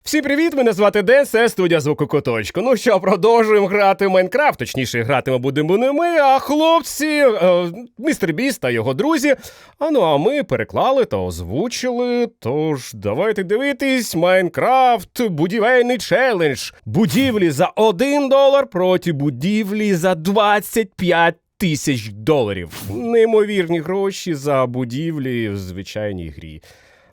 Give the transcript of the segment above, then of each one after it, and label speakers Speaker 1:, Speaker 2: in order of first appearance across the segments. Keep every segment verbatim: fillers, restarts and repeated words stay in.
Speaker 1: Всім привіт, мене звати Ден, це студія Звуку Куточку. Ну що, продовжуємо грати в Майнкрафт, точніше, гратиме будемо не ми, а хлопці, е, містер Біст та його друзі. А ну, а ми переклали та озвучили, тож давайте дивитись Майнкрафт будівельний челендж. Будівлі за один долар проти будівлі за двадцять п'ять тисяч доларів. Неймовірні гроші за будівлі в звичайній грі.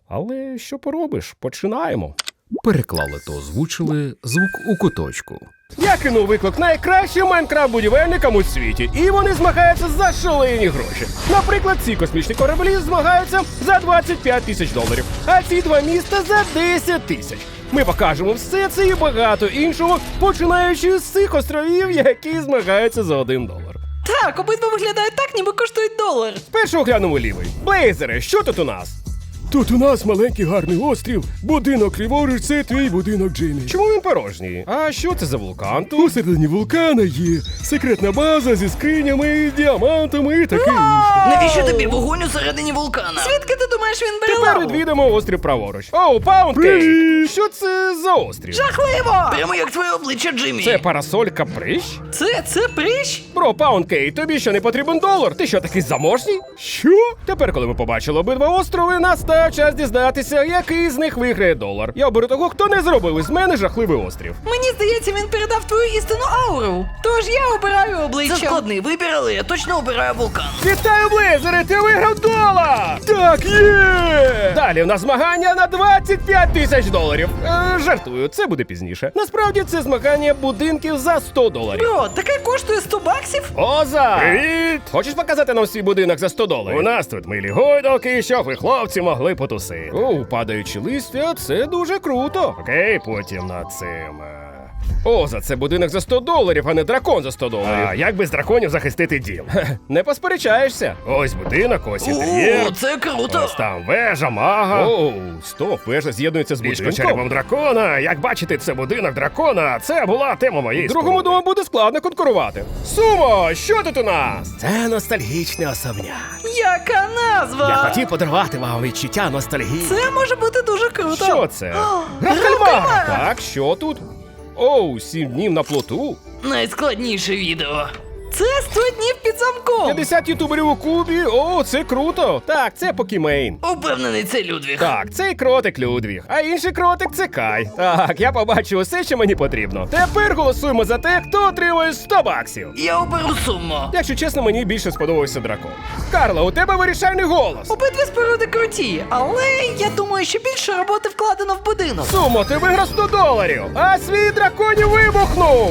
Speaker 1: Але що поробиш, починаємо.
Speaker 2: Переклали та озвучили Звук у Куточку.
Speaker 1: Я кинув виклик найкращим майнкрафт-будівельникам у світі, і вони змагаються за шалені гроші. Наприклад, ці космічні кораблі змагаються за двадцять п'ять тисяч доларів, а ці два міста за десять тисяч. Ми покажемо все це і багато іншого, починаючи з цих островів, які змагаються за один долар.
Speaker 3: Так, обидва виглядають так, ніби коштують долар.
Speaker 1: Спершу оглянемо лівий. Блейзери, що тут у нас?
Speaker 4: Тут у нас маленький гарний острів, будинок ліворуч, це твій будинок, Джиммі.
Speaker 1: Чому він порожній? А що це за вулкан тут?
Speaker 4: Усередині вулкана є секретна база зі скринями, діамантами і таке інше.
Speaker 5: Навіщо тобі вогонь усередині вулкана?
Speaker 3: Звідки ти думаєш, він бере
Speaker 1: Тепер
Speaker 3: лаву?
Speaker 1: відвідamo острів праворуч. Оу, Паундкейк! Що це за острів?
Speaker 3: Жахливо!
Speaker 5: Прямо як твоє обличчя, Джиммі.
Speaker 1: Це парасолька прищ?
Speaker 3: Це, це прищ?
Speaker 1: Бро, Паундкейк, тобі що не потрібен долар? Ти що, такий заможній?
Speaker 4: Що?
Speaker 1: Тепер, коли ми побачили обидва острови, настав час дізнатися, який з них виграє долар. Я оберу того, хто не зробив із мене жахливий острів.
Speaker 3: Мені здається, він передав твою істинну ауру. Тож я обираю
Speaker 5: Це
Speaker 3: обличчя.
Speaker 5: складний вибір, але я точно обираю вулкан.
Speaker 1: Вітаю, Блейзери, ти виграв долар!
Speaker 4: Так, є!
Speaker 1: Далі в нас змагання на двадцять п'ять тисяч доларів. Е, жартую, це буде пізніше. Насправді це змагання будинків за сто доларів.
Speaker 3: Бро, таке коштує сто баксів?
Speaker 1: Оза! Привіт! Хочеш показати нам свій будинок за сто доларів? У нас тут милі гойдалки, щоб ви, хлопці, могли потусити. О, падаючі листя, це дуже круто. Окей, потім над цим. е, Оза, це будинок за сто доларів, а не дракон за сто доларів. А як без драконів захистити дім? Хе, не посперечаєшся. Ось будинок, ось інтер'єр.
Speaker 5: О, це круто.
Speaker 1: Ось там вежа, мага. Оу, стоп, вежа з'єднується з будинком. черепом дракона. Як бачите, це будинок дракона. Це була тема моєї другому дому буде складно конкурувати. Сумо, що тут у нас? Це ностальгічний особняк.
Speaker 3: Яка назва?
Speaker 1: Я хотів подарувати вам відчуття ностальгії.
Speaker 3: Це може бути дуже круто.
Speaker 1: Що це? Гра в кальмара. Так, що тут? Оу, сім днів на плоту.
Speaker 5: Найскладніше відео.
Speaker 3: Це сто днів під замком.
Speaker 1: п'ятдесят ютуберів у кубі. О, це круто. Так, це Покімейн.
Speaker 5: Упевнений, це Людвіг.
Speaker 1: Так, цей кротик Людвіг, а інший кротик це Кай. Так, я побачив усе, що мені потрібно. Тепер голосуємо за те, хто отримує сто баксів.
Speaker 5: Я оберу суму.
Speaker 1: Якщо чесно, мені більше сподобався дракон. Карла, у тебе вирішальний голос.
Speaker 3: Обидві споруди круті, але я думаю, що більше роботи вкладено в будинок.
Speaker 1: Сумо, ти виграв сто доларів, а свій драконів вибухнув.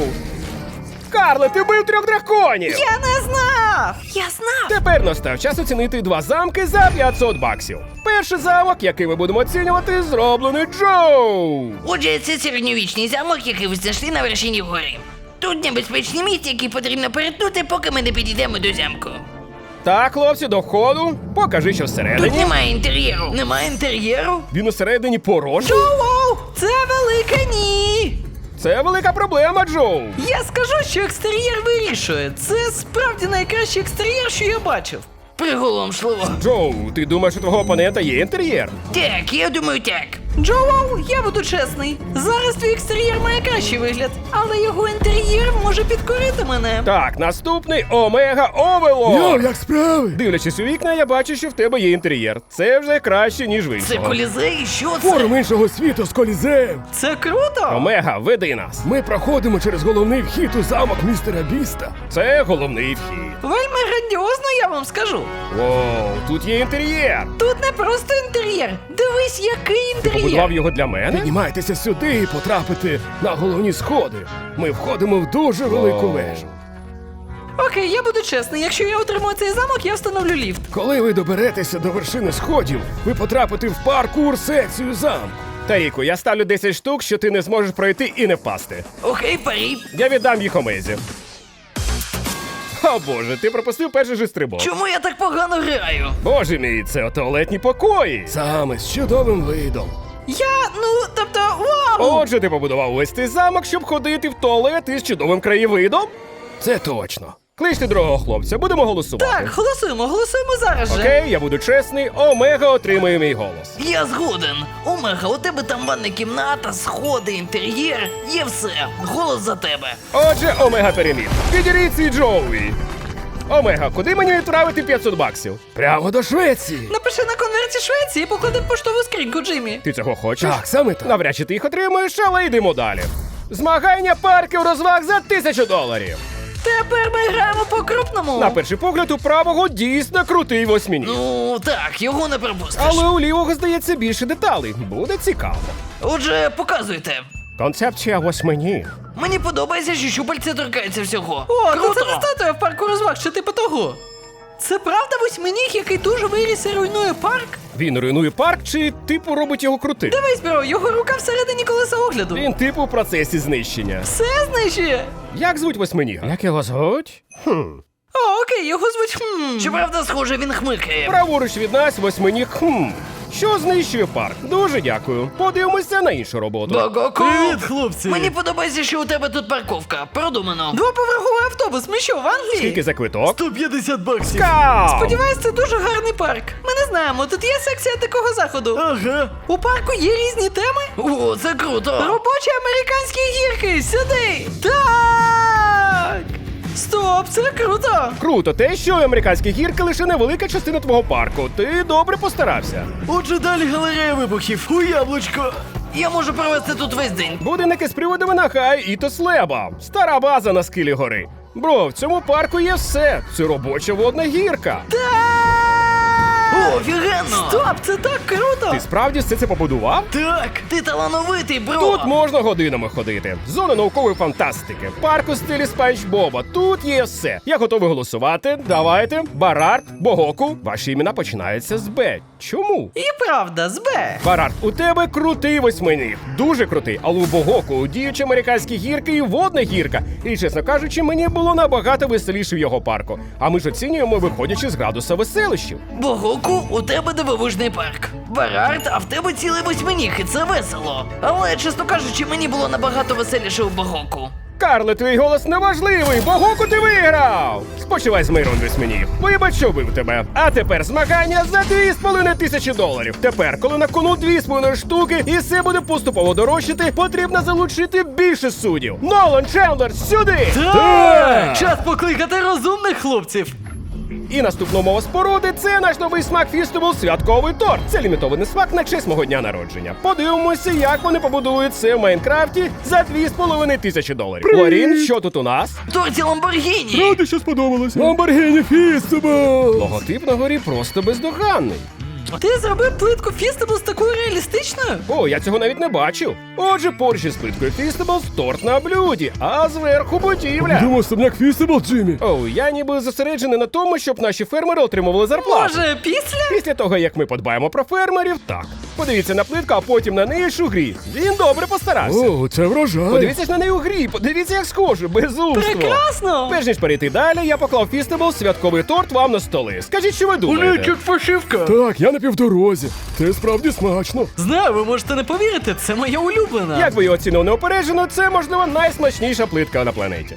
Speaker 1: Карле, ти бив трьох драконів.
Speaker 3: Я не знав! Я знав!
Speaker 1: Тепер настав час оцінити два замки за п'ятсот баксів. Перший замок, який ми будемо оцінювати, зроблений Джоу.
Speaker 5: Отже, це середньовічний замок, який ви знайшли на вершині гори. Тут небезпечне місце, яке потрібно перетнути, поки ми не підійдемо до замку.
Speaker 1: Так, хлопці, до входу. Покажи, що
Speaker 5: Тут
Speaker 1: всередині.
Speaker 5: немає інтер'єру. Немає інтер'єру?
Speaker 1: Він усередині порожній.
Speaker 3: Оу, це велике ні!
Speaker 1: Це велика проблема, Джоу.
Speaker 3: Я скажу, що екстер'єр вирішує. Це справді найкращий екстер'єр, що я бачив.
Speaker 5: Приголомшливо.
Speaker 1: Джоу, ти думаєш, у твого опонента є інтер'єр?
Speaker 5: Так, я думаю, так.
Speaker 3: Джоу, я буду чесний. Зараз твій екстер'єр має кращий вигляд, але його інтер'єр може підкорити мене.
Speaker 1: Так, наступний Омега
Speaker 4: Йо,
Speaker 1: Овелорд.
Speaker 4: як справи?
Speaker 1: Дивлячись у вікна, я бачу, що в тебе є інтер'єр. Це вже краще, ніж в
Speaker 5: Це
Speaker 1: іншого.
Speaker 5: колізей? Що це?
Speaker 4: Форум іншого світу з колізеєм.
Speaker 3: Це круто!
Speaker 1: Омега, веди нас.
Speaker 4: Ми проходимо через головний вхід у замок містера Біста.
Speaker 1: Це головний вхід.
Speaker 3: Вельми грандіозно, я вам скажу.
Speaker 1: Воу, тут є інтер'єр.
Speaker 3: Тут не просто інтер'єр. Дивись, який інтер'єр.
Speaker 1: Побудував його для мене?
Speaker 4: Піднімайтеся сюди і потрапите на головні сходи. Ми входимо в дуже велику
Speaker 1: О.
Speaker 4: вежу.
Speaker 3: Окей, я буду чесний. Якщо я отримую цей замок, я встановлю ліфт.
Speaker 4: Коли ви доберетеся до вершини сходів, ви потрапите в паркур секцію замку.
Speaker 1: Таріку, я ставлю десять штук, що ти не зможеш пройти і не впасти.
Speaker 5: Окей, парі.
Speaker 1: Я віддам їх Омезі. О боже, ти пропустив перший же стрибок.
Speaker 5: Чому я так погано граю?
Speaker 1: Боже мій, це туалетні покої.
Speaker 4: Саме з чудовим видом.
Speaker 3: Я, ну, тобто, вау!
Speaker 1: Отже, ти побудував ось цей замок, щоб ходити в туалет із чудовим краєвидом?
Speaker 4: Це точно.
Speaker 1: Кличте другого хлопця, будемо голосувати.
Speaker 3: Так, голосуємо, голосуємо зараз же.
Speaker 1: Окей, я буду чесний, Омега отримує мій голос.
Speaker 5: Я згоден. Омега, у тебе там ванна кімната, сходи, інтер'єр, є все. Голос за тебе.
Speaker 1: Отже, Омега переміг. Підіріть свій Джоуі. Омега, куди мені відправити п'ятсот баксів?
Speaker 4: Прямо до Швеції.
Speaker 3: Напиши на конверті Швеції і поклади в поштову скриньку, Джиммі.
Speaker 1: Ти цього хочеш?
Speaker 4: Так, саме так.
Speaker 1: Навряд чи ти їх отримуєш, але йдемо далі. Змагання парків розваг за тисячу доларів.
Speaker 3: Тепер ми граємо по-крупному.
Speaker 1: На перший погляд, у правого дійсно крутий восьминіг.
Speaker 5: Ну, так, його не пропустиш.
Speaker 1: Але у лівого, здається, більше деталей. Буде цікаво.
Speaker 5: Отже, показуйте.
Speaker 1: Концепція восьминіг.
Speaker 5: Мені подобається, що щупальця торкаються всього.
Speaker 3: О,
Speaker 5: Круто!
Speaker 3: то це не статуя в парку розваг, чи типу того. Це правда восьминіг, який дуже виріс і руйнує парк?
Speaker 1: Він руйнує парк чи типу робить його крутим?
Speaker 3: Дивись, бро, його рука всередині колеса огляду.
Speaker 1: Він типу в процесі знищення.
Speaker 3: Все знищує.
Speaker 1: Як звуть восьминіга? Як його звуть? Хм.
Speaker 3: О, окей, його звуть хм.
Speaker 5: Щоправда, схоже, він хмикає.
Speaker 1: Праворуч від нас восьминіг хм. Що знищує парк? Дуже дякую. Подивимося на іншу роботу.
Speaker 5: Богоку!
Speaker 3: хлопці.
Speaker 5: Мені подобається, що у тебе тут парковка. Продумано.
Speaker 3: Двоповерховий автобус, ми що, в Англії?
Speaker 1: Скільки за квиток?
Speaker 3: сто п'ятдесят баксів.
Speaker 1: Скау!
Speaker 3: Сподіваюсь, це дуже гарний парк. Ми не знаємо, тут є секція дикого заходу. Ага. У парку є різні теми.
Speaker 5: О, це круто!
Speaker 3: Робочі американські гірки, сюди! Так! Стоп, це круто!
Speaker 1: Круто, те, що американські гірки лише невелика частина твого парку. Ти добре постарався.
Speaker 3: Отже, далі галерея вибухів у яблучко.
Speaker 5: Я можу провести тут весь день.
Speaker 1: Будинки з приводами на хай і то слеба. Стара база на схилі гори. Бро, в цьому парку є все. Це робоча водна гірка.
Speaker 5: О, офігенно!
Speaker 3: Стоп, це так круто!
Speaker 1: Ти справді все це побудував?
Speaker 3: Так!
Speaker 5: Ти талановитий, бро!
Speaker 1: Тут можна годинами ходити. Зона наукової фантастики. Парк у стилі Спанч Боба. Тут є все. Я готовий голосувати. Давайте. Барард, Богоку. Ваші імена починаються з Б. Чому?
Speaker 3: І правда, з Б.
Speaker 1: Барард, у тебе крутий восьминіг. Дуже крутий. Але у Богоку діючі американські гірки і водна гірка. І, чесно кажучи, мені було набагато веселіше в його парку. А ми ж оцінюємо, виходячи з градуса веселищів.
Speaker 5: Богоку, у тебе дивовижний парк. Барард, а в тебе цілий восьминіг, і це весело. Але, чесно кажучи, мені було набагато веселіше у Богоку.
Speaker 1: Карле, твій голос неважливий, Богоку ти виграв! Спочивай з миром, восьминіг. Вибач, що бив тебе. А тепер змагання за дві з половиною тисячі доларів. Тепер, коли на кону дві з половиною штуки і все буде поступово дорожчати, потрібно залучити більше суддів. Нолан, Чендлер, сюди!
Speaker 3: Так! Час покликати розумних хлопців.
Speaker 1: І наступна умова споруди – це наш новий смак Фістебл святковий торт. Це лімітований смак на честь мого дня народження. Подивимося, як вони побудують це в Майнкрафті за дві з половиною тисячі доларів. Лорін, що тут у нас?
Speaker 5: Торті Ламборгіні!
Speaker 4: Ради, що сподобалось. Ламборгіні Фістебл.
Speaker 1: Логотип на горі просто бездоганний.
Speaker 3: Ти зробив плитку Фістеблс такою реалістичною?
Speaker 1: О, я цього навіть не бачив. Отже, поруч із плиткою Фістеблс торт на блюді, а зверху будівля.
Speaker 4: Думав, особняк Фістебл, Джиммі.
Speaker 1: О, я ніби зосереджений на тому, щоб наші фермери отримували зарплату.
Speaker 3: Може, після?
Speaker 1: Після того, як ми подбаємо про фермерів, так. Подивіться на плитку, а потім на неї ж у грі. Він добре постарався.
Speaker 4: О, це врожай.
Speaker 1: Подивіться ж на неї у грі, подивіться, як схоже, безумство.
Speaker 3: Прекрасно!
Speaker 1: Перш ніж перейти далі, я поклав Фістебл святковий торт вам на столи. Скажіть, що ви думаєте?
Speaker 3: фашивка.
Speaker 4: Так, я на півдорозі. Це справді смачно.
Speaker 3: Знаю, ви можете не повірити, це моя улюблена.
Speaker 1: Як ви її оцінили неопереджено, це, можливо, найсмачніша плитка на планеті.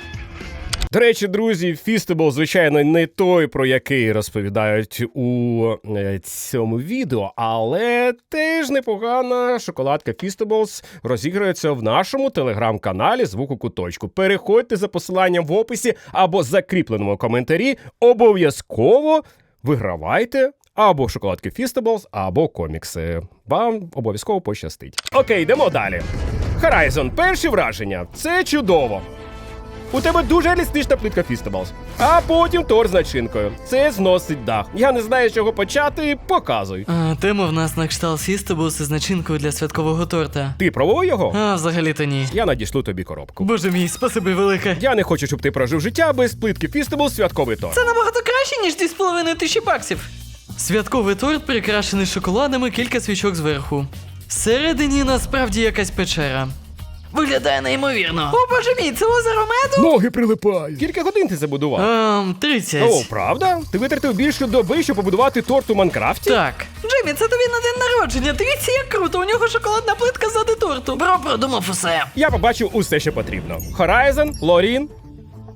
Speaker 1: До речі, друзі, Фістебл, звичайно, не той, про який розповідають у е, цьому відео, але теж непогана шоколадка Фістеблс розіграється в нашому телеграм-каналі «Звук у куточку». Переходьте за посиланням в описі або закріпленому коментарі, обов'язково вигравайте або шоколадки Фістеблс, або комікси. Вам обов'язково пощастить. Окей, йдемо далі. Horizon, перші враження. Це чудово. У тебе дуже реалістична плитка Фістеблс. А потім торт з начинкою. Це зносить дах. Я не знаю, з чого почати, показуй.
Speaker 3: А, тема в нас на кшталт Фістеблс із начинкою для святкового торта.
Speaker 1: Ти пробував його?
Speaker 3: А, взагалі-то ні.
Speaker 1: Я надішлю тобі коробку.
Speaker 3: Боже мій, спасибі велике.
Speaker 1: Я не хочу, щоб ти прожив життя без плитки Фістеблс святковий торт.
Speaker 3: Це набагато краще, ніж дві з половиною тисячі баксів. Святковий торт прикрашений шоколадами, кілька свічок зверху. Всередині насправді якась печера.
Speaker 5: Виглядає неймовірно.
Speaker 3: О, боже мій, це озеро меду?
Speaker 4: Ноги прилипають.
Speaker 1: Скільки годин ти забудував?
Speaker 3: Ем, тридцять.
Speaker 1: О, правда? Ти витратив більше доби, щоб побудувати торт у Майнкрафті?
Speaker 3: Так. Джиммі, це тобі на день народження. Дивіться, як круто, у нього шоколадна плитка ззади торту.
Speaker 5: Бро продумав усе.
Speaker 1: Я побачив усе, що потрібно. Horizon, Лорін.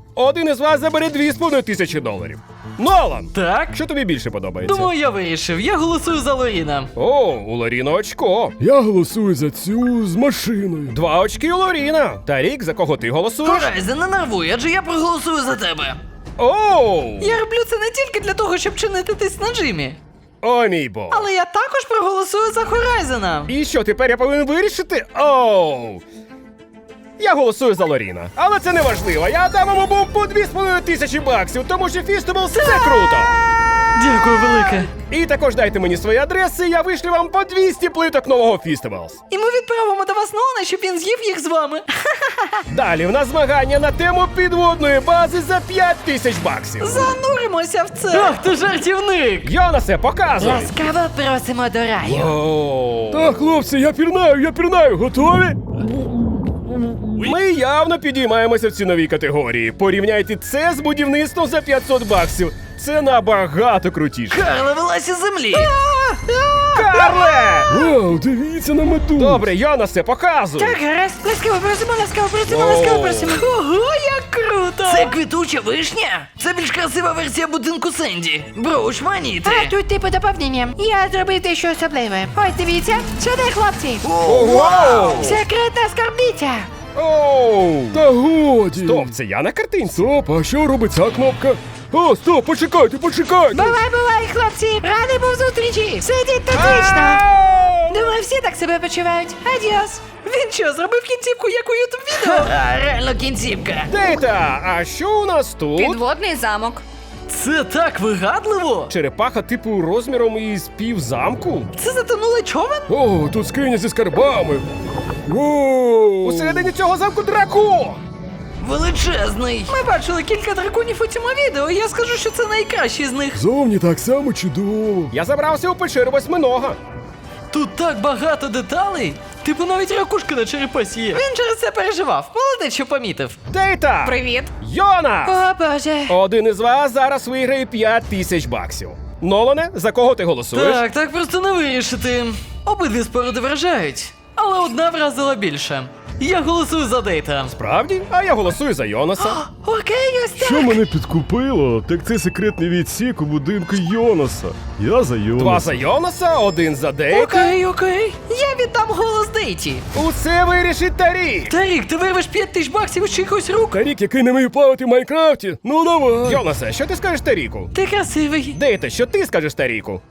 Speaker 1: Один із вас забере дві з половиною тисячі доларів. Нолан!
Speaker 3: Так?
Speaker 1: Що тобі більше подобається?
Speaker 3: Думаю, я вирішив. Я голосую за Лоріна.
Speaker 1: О, у Лоріна очко.
Speaker 4: Я голосую за цю з машиною.
Speaker 1: Два очки у Лоріна. Тарік, за кого ти голосуєш?
Speaker 5: Хорайзен, не нервуй, адже я проголосую за тебе.
Speaker 1: Оу!
Speaker 3: Я роблю це не тільки для того, щоб чинити тиск на Джиммі.
Speaker 1: О, мій бог.
Speaker 3: Але я також проголосую за Хорайзена.
Speaker 1: І що, тепер я повинен вирішити? Оу! Я голосую за Лоріна. Але це не важливо. Я дам йому бум по дві з половиною тисячі баксів, тому що Фістеблс це круто.
Speaker 3: Дякую велике.
Speaker 1: І також дайте мені свої адреси, я вишлю вам по двісті плиток нового Фістеблс.
Speaker 3: І ми відправимо до вас Нолана, щоб він з'їв їх з вами.
Speaker 1: Далі в нас змагання на тему підводної бази за п'ять тисяч баксів.
Speaker 3: Зануримося в це. Ах, ти жартівник.
Speaker 1: Йонасе, показуй.
Speaker 5: Ласкаво просимо до раю.
Speaker 1: Оу.
Speaker 4: Так, хлопці, я пірнаю, я пірнаю, готові?
Speaker 1: Ми явно підіймаємося в ціновій категорії. Порівняйте це з будівництвом за п'ятсот баксів. Це набагато крутіше.
Speaker 5: Карла вилазь із землі.
Speaker 1: Карле!
Speaker 4: Вау, дивіться на меду.
Speaker 1: Добре, Йонасе, показуй.
Speaker 5: Так, гаразд. Ласкаво просимо, ласкаво просимо,
Speaker 1: Оу.
Speaker 5: ласкаво просимо.
Speaker 3: Ого, як круто.
Speaker 5: Це квітуча вишня? Це більш красива версія будинку Сенді. Бро, шманіти.
Speaker 6: А тут типу доповнення. Я зробив дещо особливе. Ось дивіться, сюди, хлопці.
Speaker 1: Вау!
Speaker 6: Секретна скарбниця.
Speaker 1: Оу!
Speaker 4: Та годі.
Speaker 1: Стоп, це я на картинці.
Speaker 4: Стоп, а що робить ця кнопка? О, стоп, почекайте, почекайте.
Speaker 6: Бувай, бувай, хлопці. Радий був зустрічі. Сидіть тут вічно.
Speaker 1: Ау!
Speaker 6: Думаю, всі так себе почувають. Адіос.
Speaker 3: Він що, зробив кінцівку, як у ютуб відео?
Speaker 5: А, реально кінцівка.
Speaker 1: Дейта, а що у нас тут?
Speaker 6: Підводний замок.
Speaker 3: Це так вигадливо.
Speaker 1: Черепаха типу розміром із пів замку?
Speaker 3: Це затонулий човен?
Speaker 4: О, тут скриня зі скарбами. Воу.
Speaker 1: Усередині цього замку дракон!
Speaker 5: Величезний.
Speaker 3: Ми бачили кілька драконів у цьому відео, і я скажу, що це найкращий з них.
Speaker 4: Зовні так само чудово.
Speaker 1: Я забрався у печеру восьминога.
Speaker 3: Тут так багато деталей. Типу навіть ракушка на черепасі є. Він через це переживав. Молодець, що помітив.
Speaker 1: Дейта!
Speaker 6: Привіт.
Speaker 1: Йонас!
Speaker 6: О, Боже.
Speaker 1: Один із вас зараз виграє п'ять тисяч баксів. Нолане, за кого ти голосуєш?
Speaker 3: Так, так просто не вирішити. Обидві споруди вражають, але одна вразила більше. Я голосую за Дейта.
Speaker 1: Правді? А я голосую за Йонаса.
Speaker 6: Окей, ось так.
Speaker 4: Що мене підкупило, так це секретний відсік у будинку Йонаса. Я за Йонаса.
Speaker 1: Два за Йонаса, один за Дейта.
Speaker 3: Окей, окей. Я віддам голос Дейті.
Speaker 1: Усе вирішить Тарік.
Speaker 3: Тарік, ти вирвеш п'ять тисяч баксів із чиїхось рук.
Speaker 4: Тарік, який не вміє плавати в Майнкрафті. Ну давай.
Speaker 1: Йонасе, що ти скажеш Таріку?
Speaker 3: Ти красивий.
Speaker 1: Дейта, що ти скажеш Таріку?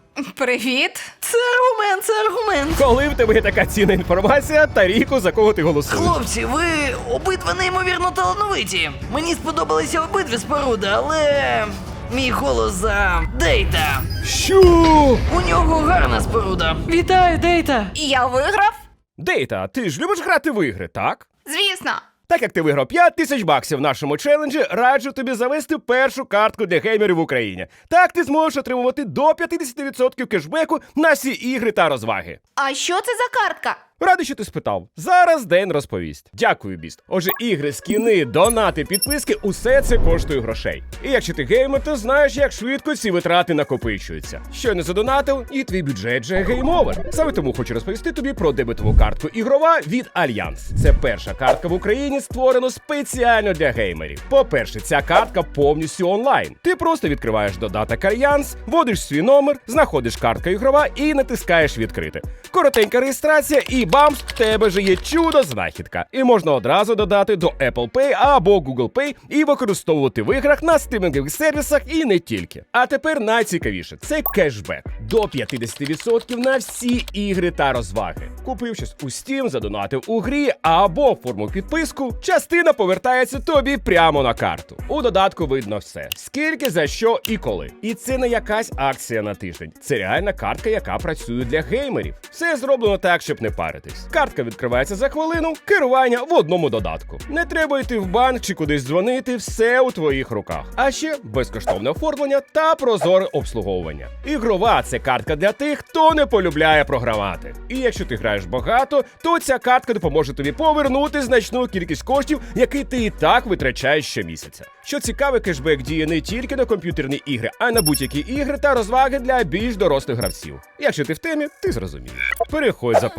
Speaker 6: Привіт.
Speaker 3: Це аргумент, це аргумент.
Speaker 1: Коли в тебе є така цінна інформація, Таріку, за кого ти голосуєш?
Speaker 5: Хлопці, ви обидва неймовірно талановиті. Мені сподобалися обидві споруди, але мій голос за Дейта.
Speaker 4: Що?
Speaker 5: У нього гарна споруда.
Speaker 3: Вітаю, Дейта.
Speaker 6: І я виграв?
Speaker 1: Дейта, ти ж любиш грати в ігри, так?
Speaker 6: Звісно.
Speaker 1: Так як ти виграв п'ять тисяч баксів в нашому челенджі, раджу тобі завести першу картку для геймерів в Україні. Так ти зможеш отримувати до п'ятдесят відсотків кешбеку на всі ігри та розваги.
Speaker 6: А що це за картка?
Speaker 1: Радий, що ти спитав. Зараз Ден розповість. Дякую, Біст. Отже, ігри, скіни, донати, підписки – усе це коштує грошей. І якщо ти геймер, то знаєш, як швидко ці витрати накопичуються. Щойно задонатив, і твій бюджет вже гейм-овер. Саме тому хочу розповісти тобі про дебетову картку ігрова від Альянс. Це перша картка в Україні, створена спеціально для геймерів. По-перше, ця картка повністю онлайн. Ти просто відкриваєш додаток Альянс, вводиш свій номер, знаходиш картка ігрова і натискаєш відкрити. Коротенька реєстрація і бамс, в тебе же є чудо-знахідка. І можна одразу додати до Apple Pay або Google Pay і використовувати в іграх на стримінгових сервісах і не тільки. А тепер найцікавіше – це кешбек. До п'ятдесят відсотків на всі ігри та розваги. Купив щось у Steam, задонатив у грі або оформив підписку, частина повертається тобі прямо на карту. У додатку видно все. Скільки, за що і коли. І це не якась акція на тиждень. Це реальна картка, яка працює для геймерів. Все зроблено так, щоб не паритись. Картка відкривається за хвилину, керування в одному додатку. Не треба йти в банк чи кудись дзвонити, все у твоїх руках. А ще безкоштовне оформлення та прозоре обслуговування. Ігрова – це картка для тих, хто не полюбляє програвати. І якщо ти граєш багато, то ця картка допоможе тобі повернути значну кількість коштів, які ти і так витрачаєш щомісяця. Що цікаве, кешбек діє не тільки на комп'ютерні ігри, а й на будь-які ігри та розваги для більш дорослих гравців. Якщо ти в темі, ти зрозумієш. Переходь за посиланням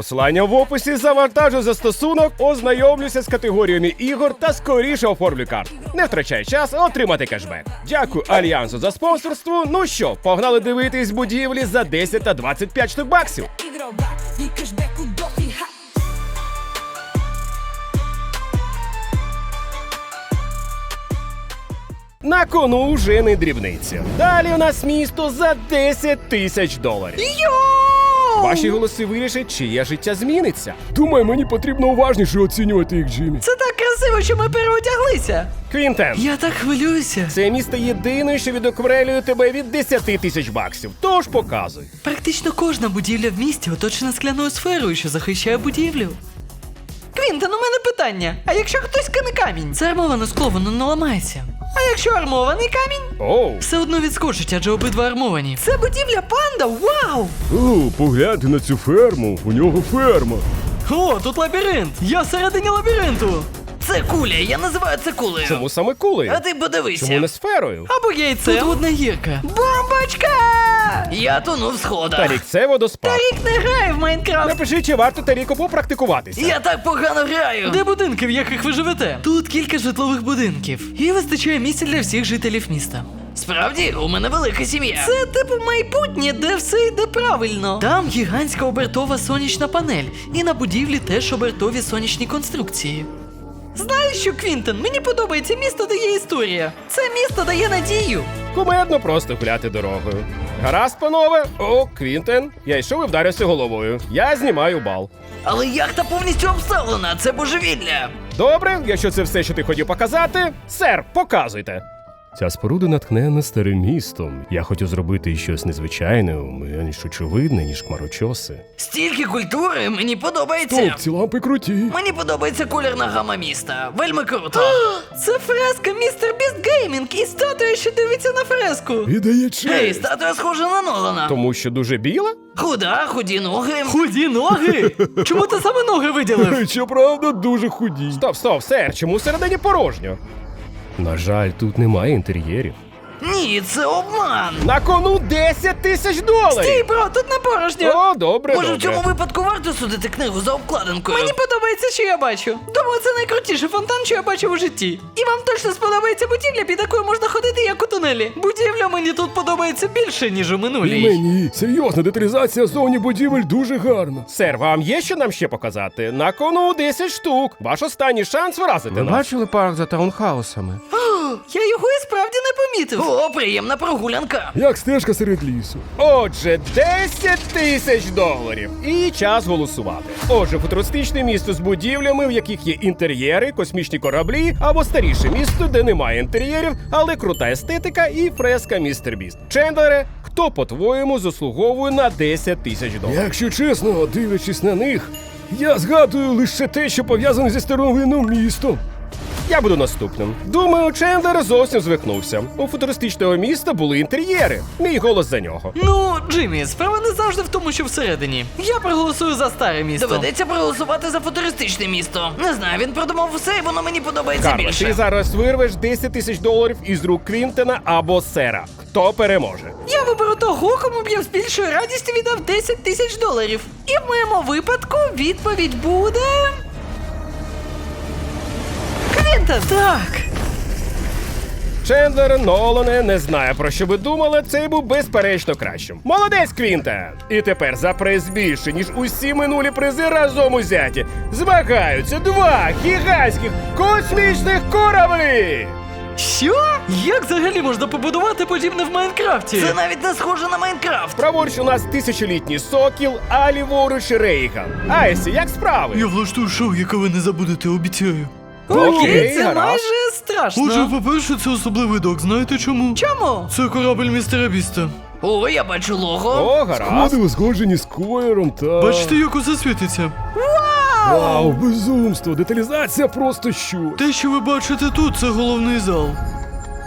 Speaker 1: в описі, завантажу застосунок, ознайомлюся з категоріями ігор та скоріше оформлю карту. Не втрачай час, а отримати кешбек. Дякую Альянсу за спонсорство. Ну що, погнали дивитись будівлі за десять та двадцять п'ять штук баксів. На кону вже не дрібниця. Далі у нас місто за десять тисяч доларів. Ваші голоси вирішать, чиє життя зміниться.
Speaker 4: Думаю, мені потрібно уважніше оцінювати їх, Джиммі.
Speaker 3: Це так красиво, що ми переодяглися.
Speaker 1: Квінтен,
Speaker 3: Я так хвилююся.
Speaker 1: це місто єдине, що відокремлює тебе від десять тисяч баксів. Тож показуй.
Speaker 3: Практично кожна будівля в місті оточена скляною сферою, що захищає будівлю. Квінтон, у мене питання. А якщо хтось кине камінь? Це армоване скло, воно не ламається. А якщо армований камінь?
Speaker 1: Оу.
Speaker 3: Все одно відскочить, адже обидва армовані. Це будівля панда, вау!
Speaker 4: О, погляньте на цю ферму. У нього ферма.
Speaker 3: О, тут лабіринт! Я всередині лабіринту!
Speaker 5: Це куля, я називаю це кулею.
Speaker 1: Чому саме кулею?
Speaker 5: А ти подивися.
Speaker 1: Чому не сферою?
Speaker 3: Або яйце. Тут одна гірка.
Speaker 5: Бомбочка! Я тону в сходах.
Speaker 1: Тарік, це водоспад.
Speaker 3: Рік не грає в Майнкрафт.
Speaker 1: Напиши, чи варто Таріку попрактикуватися.
Speaker 5: Я так погано граю.
Speaker 3: Де будинки, в яких ви живете? Тут кілька житлових будинків. І вистачає місця для всіх жителів міста.
Speaker 5: Справді, у мене велика сім'я.
Speaker 3: Це типу майбутнє, де все йде правильно. Там гігантська обертова сонячна панель. І на будівлі теж обертові сонячні конструкції. Знаєш що, Квінтон, мені подобається місто, де є історія. Це місто дає надію.
Speaker 1: Кумедно просто гуляти дорогою. Гаразд, панове. О, Квінтен. Я йшов і вдарився головою. Я знімаю бал.
Speaker 5: Але яхта повністю обставлена, це божевілля.
Speaker 1: Добре, якщо це все, що ти хотів показати, сер, показуйте. Ця споруда натхнена старим містом. Я хотів зробити щось незвичайне, менш очевидне, ніж хмарочоси.
Speaker 5: Стільки культури, мені подобається.
Speaker 4: Топ, ці лампи круті.
Speaker 5: Мені подобається колірна гама міста. Вельми круто.
Speaker 3: Це фреска містер Біст Геймінг і статуя, що дивиться на фреску.
Speaker 4: Віддає
Speaker 5: Гей,
Speaker 4: честь.
Speaker 5: статуя схожа на Нолана.
Speaker 1: Тому що дуже біла?
Speaker 5: Худа, худі ноги.
Speaker 3: Худі ноги? Чому ти саме ноги виділив?
Speaker 4: Щоправда, дуже худі.
Speaker 1: Стоп, стоп, сер, чому всередині порожньо? На жаль, тут немає інтер'єрів.
Speaker 5: Ні, це обман.
Speaker 1: На кону десять тисяч
Speaker 3: Стій,
Speaker 1: доларів!
Speaker 3: бро, тут не порожньо.
Speaker 1: О, добре,
Speaker 5: Може, в
Speaker 1: добре.
Speaker 5: цьому випадку варто судити книгу за обкладинкою?
Speaker 3: Мені подобається, що я бачу. Думаю, це найкрутіший фонтан, що я бачив у житті. І вам точно сподобається будівля, під якою можна ходити, як у тунелі. Будівля мені тут подобається більше, ніж у
Speaker 4: І
Speaker 3: минулій.
Speaker 4: мені. Серйозно, деталізація зовні будівель дуже гарна.
Speaker 1: Сер, вам є що нам ще показати? На кону десять штук. Ваш останній шанс вразити
Speaker 7: Ви
Speaker 1: нас.
Speaker 7: бачили парк за таунхаусами?
Speaker 3: Я його і справді не помітив.
Speaker 5: О, приємна прогулянка.
Speaker 4: Як стежка серед лісу.
Speaker 1: Отже, десять тисяч доларів. І час голосувати. Отже, футуристичне місто з будівлями, в яких є інтер'єри, космічні кораблі, або старіше місто, де немає інтер'єрів, але крута естетика і фреска містер Біст. Чендлере, хто, по-твоєму, заслуговує на десять тисяч доларів?
Speaker 4: Якщо чесно, дивлячись на них, я згадую лише те, що пов'язане зі старовинним містом.
Speaker 1: Я буду наступним. Думаю, Чендлер зовсім звикнувся. У футуристичного міста були інтер'єри. Мій голос за нього.
Speaker 3: Ну, Джиммі, справа не завжди в тому, що всередині. Я проголосую за старе місто.
Speaker 5: Доведеться проголосувати за футуристичне місто. Не знаю, він продумав усе, і воно мені подобається
Speaker 1: Карло,
Speaker 5: більше.
Speaker 1: ти зараз вирвеш десять тисяч доларів із рук Квінтена або Сера. Хто переможе?
Speaker 3: Я виберу того, кому б я з більшою радістю віддав десять тисяч доларів. І в моєму випадку відповідь буде... Квінтон! Так!
Speaker 1: Чендлер, Нолане, не знаю, про що ви думали, цей був безперечно кращим. Молодець, Квінтен! І тепер за приз більше, ніж усі минулі призи разом узяті, змагаються два гігантських космічних кораблі!
Speaker 3: Що? Як взагалі можна побудувати подібне в Майнкрафті?
Speaker 5: Це навіть не схоже на Майнкрафт.
Speaker 1: Праворуч у нас тисячолітній сокіл, а ліворуч Рейган. Айсі, як справи?
Speaker 3: Я влаштую шоу, яке ви не забудете, обіцяю.
Speaker 1: Окей,
Speaker 3: Окей, це
Speaker 1: гаразд.
Speaker 3: майже страшно.
Speaker 8: Отже, по-перше, це особливий док, знаєте чому?
Speaker 3: Чому?
Speaker 8: Це корабль містера Біста.
Speaker 5: О, я бачу лого.
Speaker 1: О, гаразд.
Speaker 4: Сходи узгоджені з Койером та...
Speaker 8: Бачите, як усе світиться?
Speaker 4: Вау, безумство, деталізація просто що.
Speaker 8: Те, що ви бачите тут, це головний зал.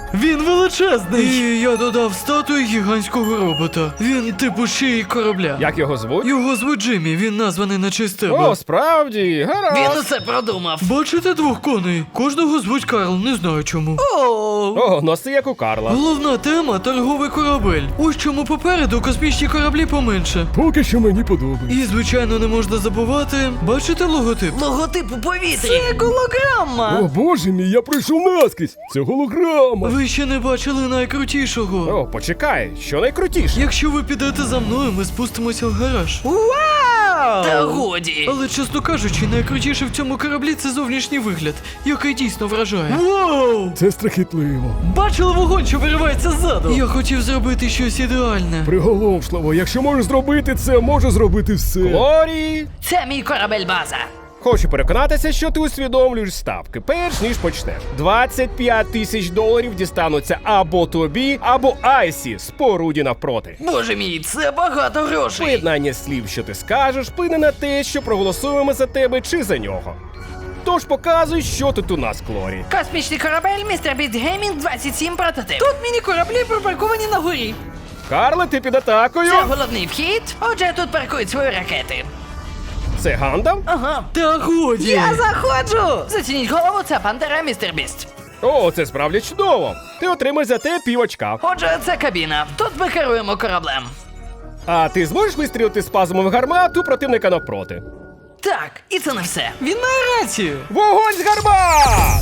Speaker 8: Він величезний! І я додав статую гігантського робота. Він типу шиї корабля.
Speaker 1: Як його звуть?
Speaker 8: Його звуть Джиммі, він названий на честь тебе.
Speaker 1: О, справді, гаразд.
Speaker 5: Він усе продумав.
Speaker 8: Бачите двох коней? Кожного звуть Карл, не знаю чому.
Speaker 3: О,
Speaker 1: О, носи як у Карла.
Speaker 8: Головна тема торговий корабель. Ось чому попереду космічні кораблі поменше.
Speaker 4: Поки що мені подобається.
Speaker 8: І, звичайно, не можна забувати. Бачите логотип?
Speaker 5: Логотип у повітрі.
Speaker 3: це голограма.
Speaker 4: О, боже мій, я пройшов наскрізь. Це голограма.
Speaker 8: Ви ще не бачили найкрутішого.
Speaker 1: О, почекай, що найкрутіше?
Speaker 8: Якщо ви підете за мною, ми спустимося в гараж.
Speaker 3: Вау!
Speaker 5: Та годі.
Speaker 8: Але, чесно кажучи, найкрутіше в цьому кораблі це зовнішній вигляд, який дійсно вражає. Вау!
Speaker 4: Це страхітливо.
Speaker 8: Бачили вогонь, що виривається ззаду? Я хотів зробити щось ідеальне.
Speaker 4: Приголомшливо, якщо можеш зробити це, можу зробити все.
Speaker 1: Глорі!
Speaker 5: Це мій корабель база.
Speaker 1: Хочу переконатися, що ти усвідомлюєш ставки, перш ніж почнеш. двадцять п'ять тисяч доларів дістануться або тобі, або Айсі, споруді навпроти.
Speaker 5: Боже мій, це багато грошей.
Speaker 1: Поєднання слів, що ти скажеш, вплине на те, що проголосуємо за тебе чи за нього. Тож показуй, що тут у нас, Клорі.
Speaker 6: Космічний корабель, містер Біст Геймінг двадцять сім прототип.
Speaker 3: Тут міні-кораблі припарковані на горі.
Speaker 1: Карле, ти під атакою.
Speaker 5: Це головний вхід. Отже, тут паркують свої ракети.
Speaker 1: Це Гандам?
Speaker 3: Ага.
Speaker 8: Та годі!
Speaker 3: Я заходжу!
Speaker 5: Зацініть голову, це пантера, містер Біст.
Speaker 1: О, це справді чудово. Ти отримаєш за те пів очка.
Speaker 5: Отже, це кабіна. Тут ми керуємо кораблем.
Speaker 1: А ти зможеш вистрілити спазмом гармату противника навпроти?
Speaker 5: Так, і це не все.
Speaker 3: Він має рацію.
Speaker 1: Вогонь з гармат!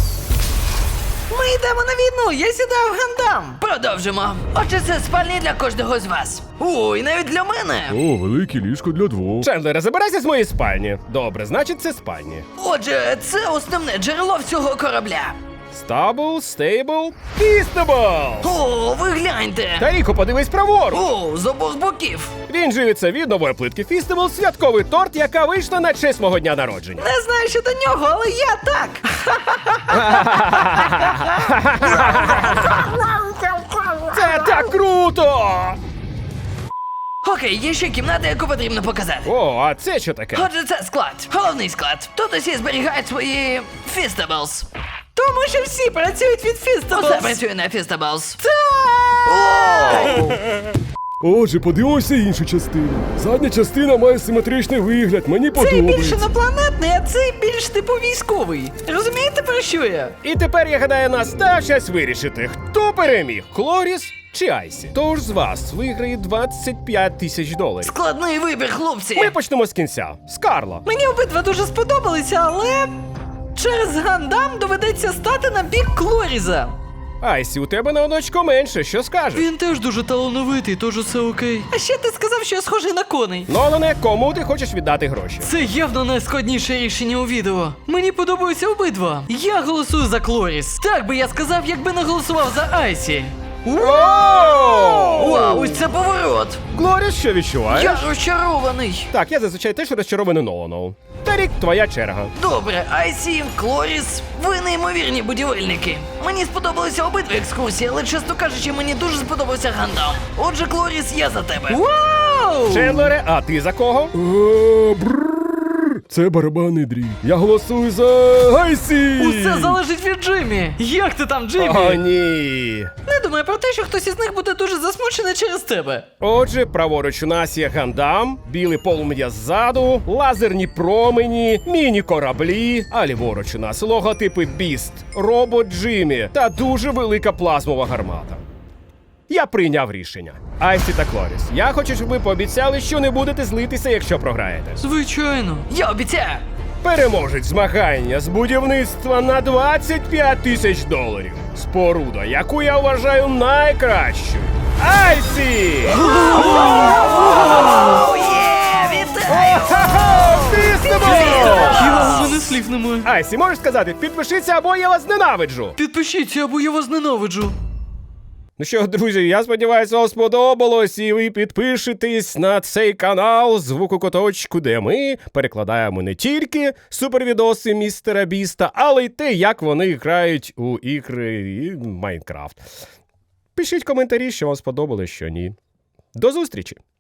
Speaker 3: Ми йдемо на війну, я сідаю в гандам.
Speaker 5: Продовжимо. Отже, це спальні для кожного з вас. Ой, навіть для мене.
Speaker 4: О, велике ліжко для двох.
Speaker 1: Чендлере, забирайся з моєї спальні. Добре, значить це спальні.
Speaker 5: Отже, це основне джерело всього корабля.
Speaker 1: Стабл, стейбл, фістебл!
Speaker 5: О, ви гляньте.
Speaker 1: Таріко, подивись праворуч!
Speaker 5: О, з обох боків.
Speaker 1: Він живиться від нової плитки Фістебл, святковий торт, яка вийшла на честь мого дня народження.
Speaker 3: Не знаю, що до нього, але я так.
Speaker 1: Це так круто!
Speaker 5: Окей, є ще кімната, яку потрібно показати.
Speaker 1: О, а це що таке?
Speaker 5: Отже, це склад. Головний склад. Тут усі зберігають свої фістаблс.
Speaker 3: Тому що всі працюють від
Speaker 5: Усе
Speaker 3: Фістаблс.
Speaker 5: працює на фістаблс.
Speaker 4: Отже, подивимося іншу частину. Задня частина має симетричний вигляд, мені
Speaker 3: Цей більш
Speaker 4: подобається.
Speaker 3: інопланетний, а цей більш типу військовий. Розумієте, про що я?
Speaker 1: І тепер, я гадаю, настав час вирішити, хто переміг, Клоріс чи Айсі. Тож з вас виграє двадцять п'ять тисяч доларів.
Speaker 5: Складний вибір, хлопці.
Speaker 1: Ми почнемо з кінця. З Карла.
Speaker 3: Мені обидва дуже сподобалися, але через гандам доведеться стати на бік Клоріза.
Speaker 1: Айсі, у тебе на одночко менше, що скажеш?
Speaker 8: Він теж дуже талановитий, тож усе окей.
Speaker 3: А ще ти сказав, що я схожий на коней.
Speaker 1: Нолане, кому ти хочеш віддати гроші?
Speaker 8: Це явно найскладніше рішення у відео. Мені подобаються обидва. Я голосую за Клоріс. Так би я сказав, якби не голосував за Айсі.
Speaker 1: Вау!
Speaker 5: Вау, ось це поворот.
Speaker 1: Клоріс, що відчуваєш?
Speaker 5: Я розчарований.
Speaker 1: Так, я зазвичай теж розчарований Ноланом. Тарік, твоя черга.
Speaker 5: Добре, Айсі, Клоріс, ви неймовірні будівельники. Мені сподобалися обидві екскурсії, але, чесно кажучи, мені дуже сподобався Гандам. Отже, Клоріс, я за тебе.
Speaker 3: Вау!
Speaker 1: Чендлере, а ти за кого?
Speaker 4: Е, бррр. Це барабанний дріб. Я голосую за Айсі!
Speaker 8: Усе залежить від Джиммі. Як ти там, Джиммі?
Speaker 1: О, ні.
Speaker 3: Не думаю про те, що хтось із них буде дуже засмучений через тебе.
Speaker 1: Отже, праворуч у нас є Гандам, білий полум'я ззаду, лазерні промені, міні-кораблі, а ліворуч у нас логотипи Біст, робот Джиммі та дуже велика плазмова гармата. Я прийняв рішення. Айсі та Клоріс, я хочу, щоб ви пообіцяли, що не будете злитися, якщо програєте.
Speaker 8: Звичайно.
Speaker 5: Я обіцяю.
Speaker 1: Переможець змагання з будівництва на двадцять п'ять тисяч доларів. Споруда, яку я вважаю найкращою. Айсі!
Speaker 5: О, є, вітаю!
Speaker 1: Ха-ха! Фістебл!
Speaker 8: Я у мене слів немає.
Speaker 1: Айсі, можеш сказати, підпишіться або я вас ненавиджу.
Speaker 8: Підпишіться, або я вас ненавиджу.
Speaker 1: Ну що, друзі, я сподіваюся, вам сподобалось, і ви підпишетесь на цей канал Звуку Куточку, де ми перекладаємо не тільки супервідоси містера Біста, але й те, як вони грають у ігри і Майнкрафт. Пишіть коментарі, що вам сподобалось, що ні. До зустрічі!